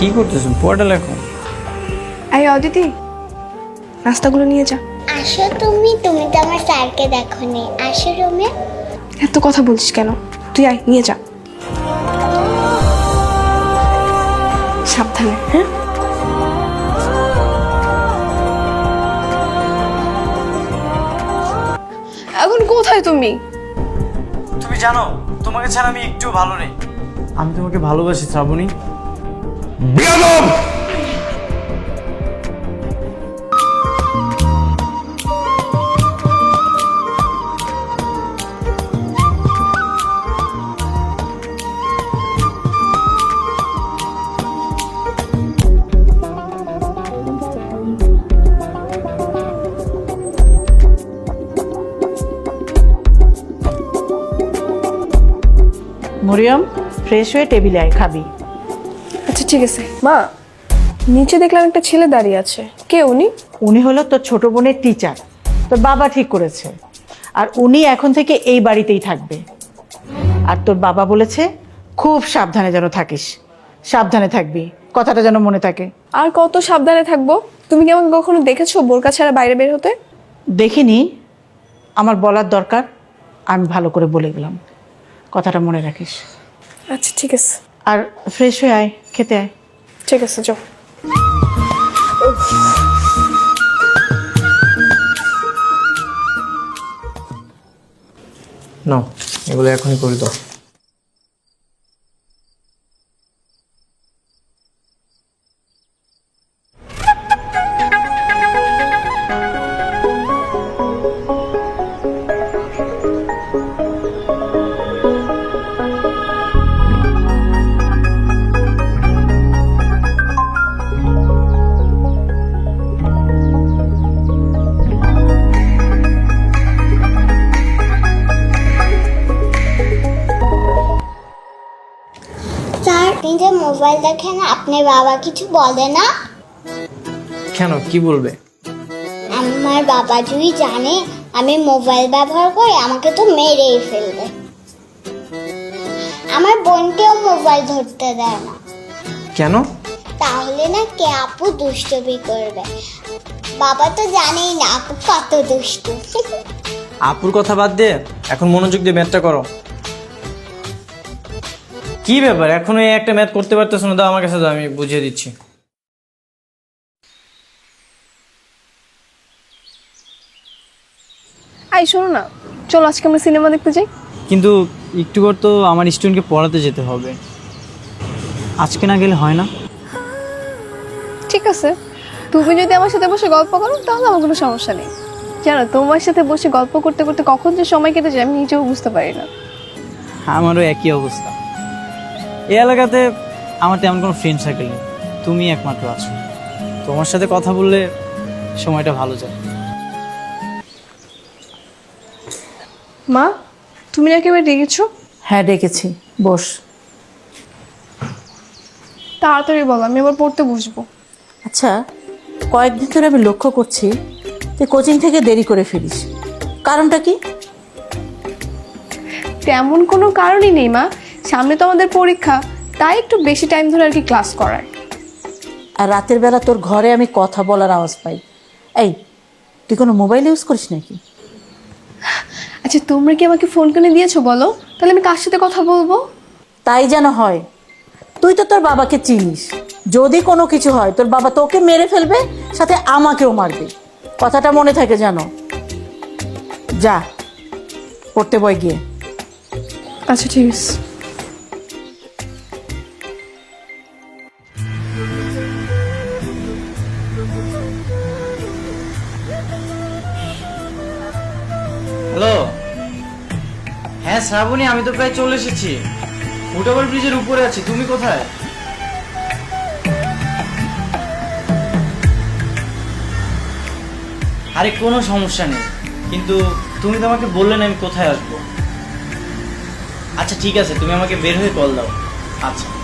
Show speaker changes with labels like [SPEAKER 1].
[SPEAKER 1] কি করতেছেন? পড়াটা লেখো।
[SPEAKER 2] এই অদিতি, নাস্তাগুলো নিয়ে যা।
[SPEAKER 3] আসো তুমি তো আমার স্যারকে দেখোনি। আসো রুমে।
[SPEAKER 2] এত কথা বলছিস কেন? তুই আয়, নিয়ে যা। সাবধানে, হ্যাঁ? এখন কোথায় তুমি?
[SPEAKER 1] তুমি জানো তোমাকে ছাড়া আমি একটু ভালো নেই। আমি তোমাকে ভালোবাসি শ্রাবণী।
[SPEAKER 4] বেয়াদব!
[SPEAKER 5] মরিয়ম, ফ্রেশ হয়ে টেবিলে আয়, খাবি।
[SPEAKER 2] আচ্ছা ঠিক আছে। মা, নিচে দেখলাম একটা ছেলে দাঁড়িয়ে আছে। কে উনি?
[SPEAKER 5] উনি হলো তোর ছোট বোনের টিচার, তোর বাবা ঠিক করেছে। আর উনি এখন থেকে এই বাড়িতেই থাকবে। আর তোর বাবা বলেছে খুব সাবধানে যেন থাকিস, সাবধানে থাকবি, কথাটা যেন মনে থাকে।
[SPEAKER 2] আর কত সাবধানে থাকবো? তুমি কি আমাকে কখনো দেখেছো বোরকা ছাড়া বাইরে বের হতে?
[SPEAKER 5] দেখিনি, আমার বলার দরকার, আমি ভালো করে বলে গেলাম, কথাটা মনে রাখিস।
[SPEAKER 2] আচ্ছা ঠিক আছে।
[SPEAKER 5] আর ফ্রেশ হয়ে আয়, খেতে আয়।
[SPEAKER 2] ঠিক আছে, যাও।
[SPEAKER 1] না, এগুলো এখনই করে দাও।
[SPEAKER 3] স্যার, আপনি যে মোবাইল দেখেন আপনার বাবা কিছু বলে না?
[SPEAKER 1] কেন, কি বলবে?
[SPEAKER 3] আমার বাবা যদি জানে আমি মোবাইল ব্যবহার করি আমাকে তো মেরেই ফেলবে। আমার বোনকেও মোবাইল ধরতে দেয় না।
[SPEAKER 1] কেন?
[SPEAKER 3] তাহলে না কে আপু দুষ্টুমি করবে। বাবা তো জানেই না আপু কত দুষ্টু।
[SPEAKER 1] আপুর কথা বাদ দিয়ে এখন মনোযোগ দিয়ে ম্যাথটা করো। কি ব্যাপার, এখনো এই একটা ম্যাথ করতে পারতেছো না? দাও আমার কাছে, দাও, আমি বুঝিয়ে দিচ্ছি।
[SPEAKER 2] আই শোনো না, চলো আজকে আমরা সিনেমা দেখতে যাই।
[SPEAKER 1] কিন্তু একটু পর তো আমার স্টুডেন্টকে পড়াতে যেতে হবে, আজকে না গেলে হয় না?
[SPEAKER 2] ঠিক আছে, তুমি যদি আমার সাথে বসে গল্প করো তাহলে আমার কোনো সমস্যা নেই। জানো, তোমার সাথে বসে গল্প করতে করতে কখন যে সময় কেটে যায় আমি নিজেও বুঝতে পারি না।
[SPEAKER 1] আমারও একই অবস্থা। এই এলাকাতে আমার তেমন কোনো ফ্রেন্ড সার্কেল নেই, তুমি একমাত্র আছো। তোমার সাথে কথা বললে সময়টা ভালো যায়।
[SPEAKER 2] মা, তুমি নাকি এবার ডেকেছো?
[SPEAKER 5] হ্যাঁ ডেকেছি, বস।
[SPEAKER 2] তাড়াতাড়ি বলো, আমি এবার পড়তে বসবো।
[SPEAKER 5] আচ্ছা, কয়েকদিন ধরে আমি লক্ষ্য করছি তুই কোচিং থেকে দেরি করে ফিরিস, কারণটা কি?
[SPEAKER 2] তেমন কোনো কারণই নেই মা, সামনে তো আমাদের পরীক্ষা, তাই একটু বেশি টাইম ধরে আর কি ক্লাস করায়।
[SPEAKER 5] আর রাতের বেলা তোর ঘরে আমি কথা বলার আওয়াজ পাই। এই, তুই কোনো মোবাইল ইউজ করিস নাকি?
[SPEAKER 2] আচ্ছা, তোমরা কি আমাকে ফোন করে দিয়েছো বলো, তাহলে আমি কার সাথে কথা বলবো?
[SPEAKER 5] তাই যেন হয়। তুই তো তোর বাবাকে চিনিস, যদি কোনো কিছু হয় তোর বাবা তোকে মেরে ফেলবে, সাথে আমাকেও মারবে, কথাটা মনে থাকে যেন। যা পড়তে বই গিয়ে।
[SPEAKER 2] আচ্ছা ঠিক আছে।
[SPEAKER 1] হ্যালো, হ্যাঁ শ্রাবণী, আমি তো প্রায় চলে এসেছি, ফুটওভার ব্রিজের উপরে আছি। তুমি কোথায়? আরে কোনো সমস্যা নেই, কিন্তু তুমি তো আমাকে বললে না আমি কোথায় আসবো। আচ্ছা ঠিক আছে, তুমি আমাকে বের হয়ে কল দাও। আচ্ছা।